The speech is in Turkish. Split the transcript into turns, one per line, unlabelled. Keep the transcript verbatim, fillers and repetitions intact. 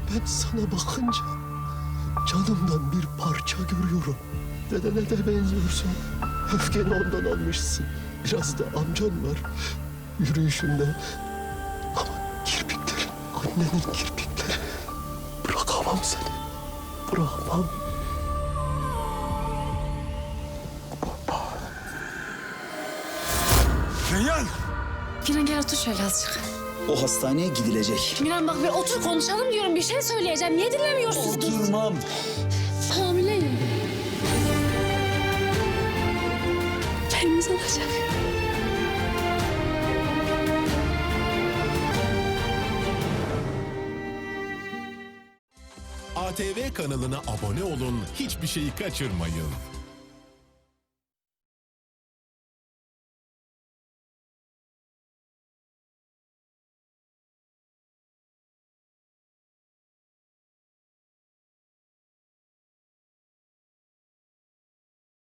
Ben sana bakınca canımdan bir parça görüyorum. Dedene de benziyorsun. Öfkeni ondan almışsın. Biraz da amcan var. Yürüyüşünde. Ama kirpiklerin, annenin kirpikleri. Bırakamam seni. Bırakamam.
Reyhan!
Miran gel otur şöyle azıcık.
O hastaneye gidilecek.
Miran bak bir otur konuşalım diyorum. Bir şey söyleyeceğim. Niye dinlemiyorsunuz?
Oturmam.
Hamileyim. Elimiz olacak.
A T V kanalına abone olun, hiçbir şeyi kaçırmayın.